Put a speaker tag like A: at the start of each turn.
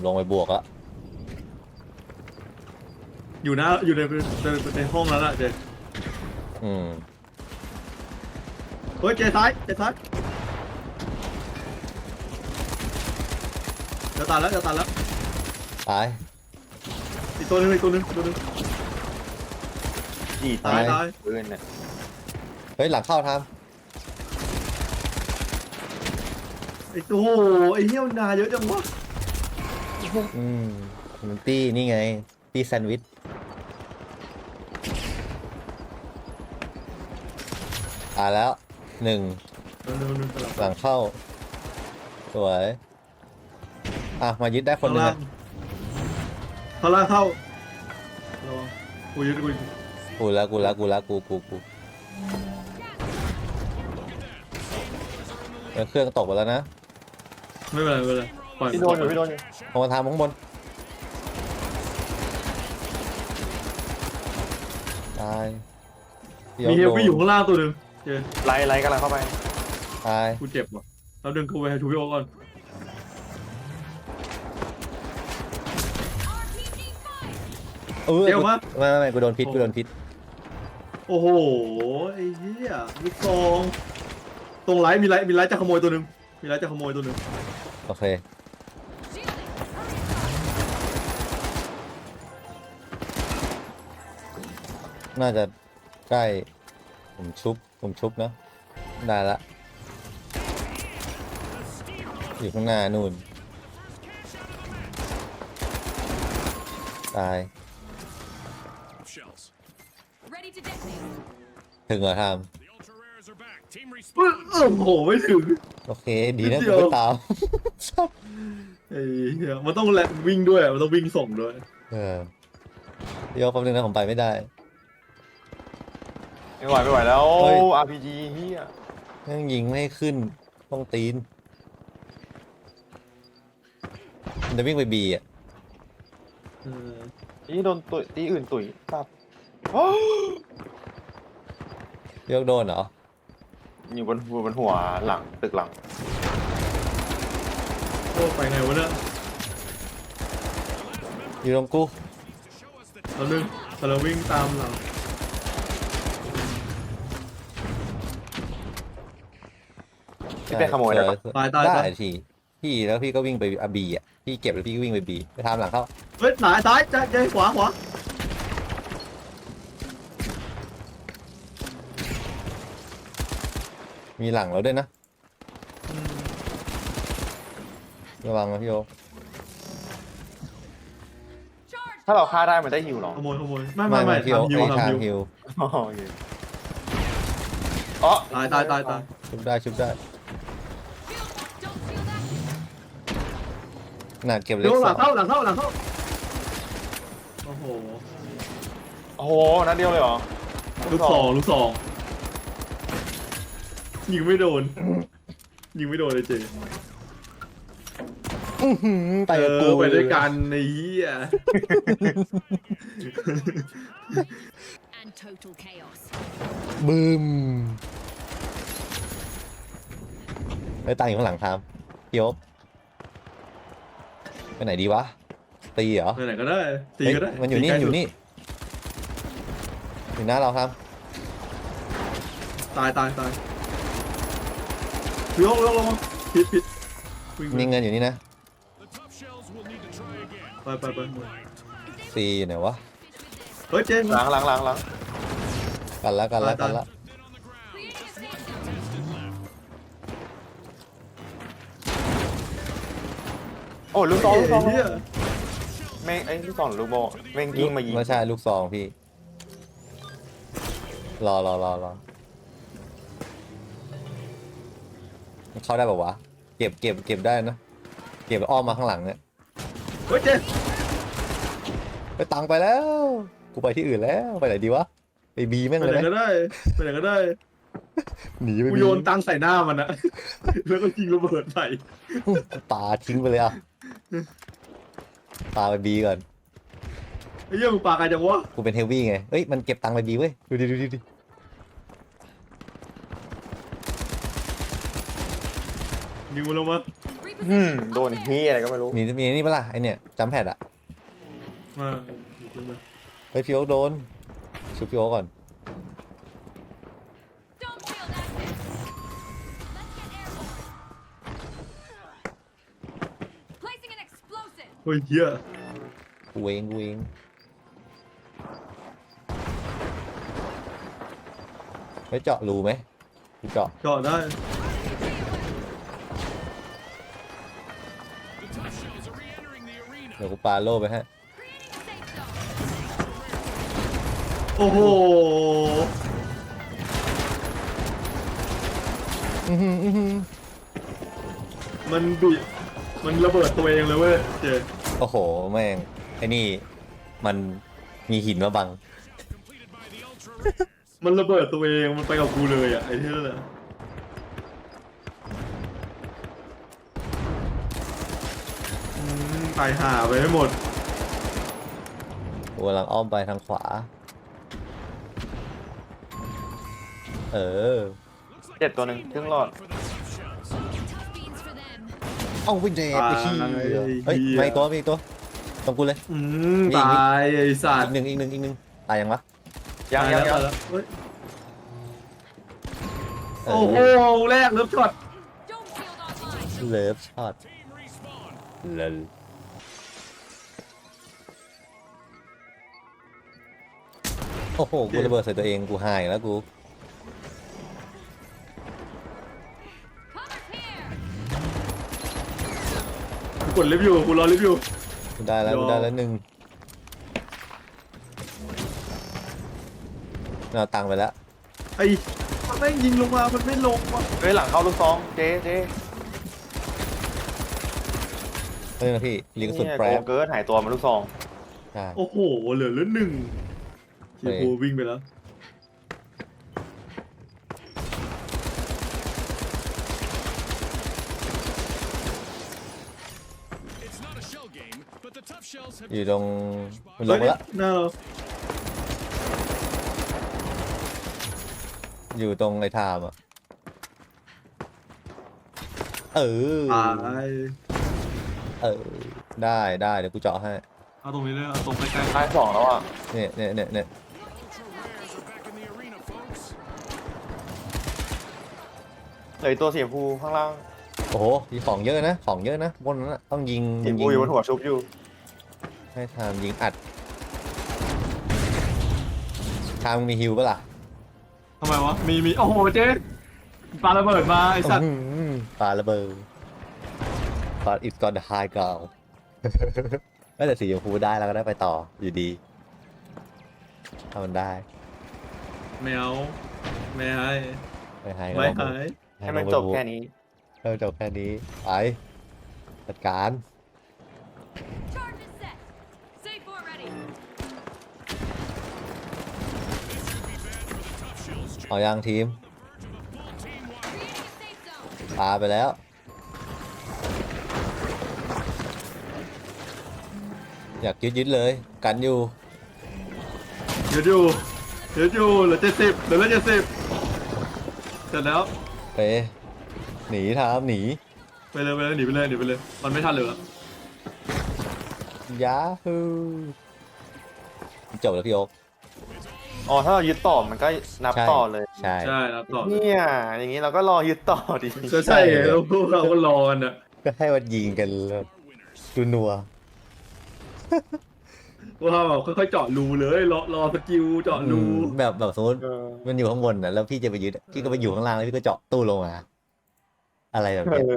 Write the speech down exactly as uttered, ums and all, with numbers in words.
A: ลงไปบวกแล้ว
B: อยู่นะอยู่ในในในห้องนั้นอะเจ
A: อืม
B: เฮ้ยเจซ้ายเจซ้ายจะตายแล้วจะตายแล้ว
A: ตาย
B: อีกตัวนึงอีกตัวนึงตัวนึง
C: จีตายตายปืนเนี่ย
A: เฮ้ยหลังเข้าทำ
B: ไอ้ตัวไอ้เหี้ยมันนาเยอะจังวะ
A: อืมมันตี้นี่ไงตี้แซนด์วิชตายแล้วหนึ่งหลังเข้าสวยอ่ะมายึดได้คนหนึ่ง
B: ข้างล่างเข้าระวังกูยึดกู
A: กูแล้วกูแล้วกูแล้วกูกูกูเครื่องตกไปแล้วนะ
B: ไม่เป็นไรไม่เป็นไรปล่อย
C: พี่โดนอยู่พี่โดนอยู่
A: ลงมาทางข้างบนตาย
B: มีเฮลวี่อยู่ข้างล่างตัวหนึ่งเจ
C: ไล่ไล่กำลังเข้าไป
A: ตาย
B: กูเจ็บว่ะเราดึงกูไปให้ชูพี่โอก่อน
A: เออเดี๋ยวมาไม่ไม่กูโดนพิษกูโดนพิษ
B: โอ้โหไอ้เหี้ยลูกซองตรงไลท์มีไลท์มีไลท์จะขโมยตัวหนึ่งมีไลท์จะขโมยตัวหนึ่ง
A: โอเคน่าจะใกล้ผมชุบผมชุบนะได้ละอยู่ข้างหน้านู่นตายถึงเหรอทำ
B: โอ้โหไม่ถึง
A: โอเคดีนะผมไม่ตาม
B: ไอ้เหี้ยมันต้องแลวิ่งด้วยมันต้องวิ่งส่งด้วย
A: เออเดี๋ยวแป๊บนึงนะผมไปไม่ได้
C: ไม่ไหวไม่ไหวแล้ว อาร์ พี จี เฮีย
A: ยังยิงไม่ขึ้นต้องตีนมันจะวิ่งไปบีอ่ะ
C: ตีโดนตุยตีอื่นตุยครับ
A: เรียกโดนเหรอ
C: อยู่บนบนหัวหลังตึกหลัง
B: โอ้ไปไงวะเนี่ย
A: อยู่ตรงกู
B: เราดึงเราวิ่งตามเรา
C: พี่ไปขโมยได้ปะ
B: ตายตาย
A: ได้ทีพี่แล้วพี่ก็วิ่งไปอาบีอ่ะพี่เก็บแล้วพี่ก็วิ่งไปบีไปทำหลังเข้า
B: เฮ้ยหลายซ้ายจะจะขวาขวา
A: มีหลังเราด้วยนะระวังนะพี่โอ
C: ถ้าเราฆ่าได้มันได้ฮิวหรอ
B: ขโมยขโมยไม่ไม่ไม่
A: พี่โอไอ้ทางฮิว
C: อ๋อ
B: ตายตายตายตาย
A: ชุบได้ชุบได้หนักเก็บเล็ก
B: หลังเข้าหลังเข้าหลังเข้าโอ้โห
C: โอ้โหนัดเดียวเลยเหรอ
B: ลูกสองลูกสองยิงไม่โดนยิงไม่โดนเลยเจ
A: ไปกู
B: ไปด้วยกันในเหี้ย
A: บึ้มไปตั้งอยู่ข้างหลังทามพี่โอ๊คไปไหนดีวะตีเหรอ
B: ไปไหนก็ได้ตีก็ได้
A: มันอยู่นี่อยู่นี่อยู่หน้าเราครับ
B: ตายตายตายลงลงลงผิดผิด
A: มีเงินอยู่นี่นะ
B: ไปไปไป
A: ซีอยู่ไหนวะ
B: เฮ้ยเจน
C: หลังหลังหลังหลัง
A: กันละกันละกันละ
C: โอ้ลูกซองลูกซองแม่งไอ้ลูกซองลูกโบแม่งยิงมายิง
A: ไม่ใช่ลูกซองพี่รอรอรอรอเข้าได้ป่าวะเก็บเก็บเก็บได้นะเก็บอ้อมมาข้างหลังเนี่ย
B: เฮ้ยเจน
A: ไปตังไปแล้วกูไปที่อื่นแล้วไปไหนดีวะไปบีแม่งเลย
B: ไปไหนก็ได้ไปไหนก็ได้
A: หนีไป
B: กูโยนตังใส่หน้ามันนะแล้วก็ยิงระเบิดใส่
A: ปาทิ้งไปเลยอ่ะปาไปบีก่อน
B: ไอ้เหี้ยมึงปาใครจังวะ
A: กูเป็นเฮฟวี่ไงเฮ้ยมันเก็บตังไปบีเว้ยดูดิดูดิดูดิ
B: ยิงมันลงมา
C: อืมโดนเฮียอะไรก็ไม่รู้
A: มีมีนี่ปะล่ะไอเนี่ยจัมแพดอะ
B: มา
A: เฮ้ยพี่โอ๊คโดนชุบพี่โอ๊คก่อน
D: Don't feel that hit. Let's get airborne. Placing an explosive.
B: เฮ้ยเหี้ย
A: กูเองกูเองไม่เจาะรูไหมกูเจาะ
B: เจาะได้
A: เดี๋ยวกูปาโล่ไปฮะ
D: Creating a safe zone.
B: โอ้โห
A: อื้อหืออื้อหือ
B: มันบีมันระเบิดตัวเองเลยเว้ยเจ
A: โอ้โหแม่งไอ้นี่มันมีหินมาบัง
B: มันระเบิดตัวเองมันไปกับกูเลยอ่ะไอ้ที่นั่นแหละอืมตายห่าไปให้หมด
A: กูกำลังอ้อมไปทางขวา เออ
C: เจ็ดตัวหนึ่งครึ่งหลอด
D: Tough beans for them.
A: เอาวินเดไปขี้เฮ้ยไม่ตัวไม่ตัวตรงกูเลย
B: อืมตายไอ้สัต
A: อี
B: ว์
A: กหนึ่งอีกหนึ่งอีกหนึ่งตายยังวะ
C: ยังยังยัง
B: ตาแล้วเฮ้ย
A: เอ
B: โอ้โห
A: อ
B: แรกเริ่มช็อต
D: Dome shield online.
A: เลิฟช็อตเลิฟโอ้โหกูระเบิดใส่ตัวเองกูหายแล้วกู
D: Cover here.
B: กูกดรีวิวกูรอรีวิว
A: กูได้แล้ว
B: ยอม
A: กูได้แล้วหนึ่งเอาตังค์ไปแล้ว
B: ไอ้มันแม่งยิงลงมามันไม่ลงว่ะ
C: เฮ้ยหลังเข้าลูกซองเจ๊เจ๊
A: เฮ้ยนะพี่ลิงก์สุด
C: เนี่ย
A: แปร
C: โกเกิร์ดหายตัวมาลูกซอง
A: ใช่
B: โอ้โหเหลือเหลือหนึ่งทีโพวิ่งไปแล้ว
A: อยู่ตรงมันลงมาแล้ว
B: หน้าเรา
A: อยู่ตรงไอ้ทามอ่ะเออ
B: ตาย
A: เออได้ได้เดี๋ยวกูเจาะให้
B: เอาตรงนี้เลยเอาตรงใกล้
C: ท้ายสองแล้วอ่ะ
A: เนี่ยเนี่ยเนี่ยเนี่ย
C: เหลืออกตัวสีชมพูข้างล่าง
A: โอ้โหมีของเยอะนะของเยอะนะบนนั้นน่ะต้องยิง
C: สีชม
A: ยิ
C: พูอยู่บนหัวชุบอยู่
A: ให้ทามยิงอัดทามมีฮิวปะล่ะ
B: ๆทำไมวะมีมีโอ้โหเจ๊ปาระเบิดมาไอ้สัตว์
A: อื้อหือปาระเบิดปา it's got the high ground แต่สีชมพูได้แล้วก็ได้ไปต่ออยู่ดีถ้ามันได้
B: แมวไม่ให้
A: ไม่ให้ก็
B: ไม่
A: ลอง
B: ให้
A: ดู
C: ให้มันจบแค่นี้
A: ให้มันจบแค่นี้ไปจัดการ
D: Charge is set. Safe already.
A: เอายังทีม
D: Creating a safe zone.
A: ปาไปแล้ว อยากยึดยึดๆเลย กันอยู่
B: เดี๋ยวอยู่เดี๋ยวอยู่เหลือเจ็ดสิบเหลือเจ็ดสิบเสร็จแล้ว
A: ไป หนีทามหนี
B: ไปเลยไปเลยหนีไปเลยหนีไปเลยมันไม่ทันเหลือ
A: ยาฮูจบแล้วพี่โอ๊ค
C: อ๋อถ้าเรายึดต่อมันก็นับ
A: ใช่
C: ต่อเลย
A: ใช่
B: ใช่ครับต่อ
C: เนี่ยอย่างนี้เราก็รอยึดต่อดิ
B: ก็ใช่ไงแล้วพวกเราก็รอกันอ่ะ
A: ก็ให้มันยิงกันแล้วดูนัว
B: พวกเราแบบค่อยๆเจาะรูเลยรอรอสกิลเจาะรู
A: อืมแบบแบบสมมติ
C: เออ
A: มันอยู่ข้างบนนะแล้วพี่จะไปยึดอะพี่ก็ไปอยู่ข้างล่างแล้วพี่ก็เจาะตู้ลงมา อะไรแบบเนี้ย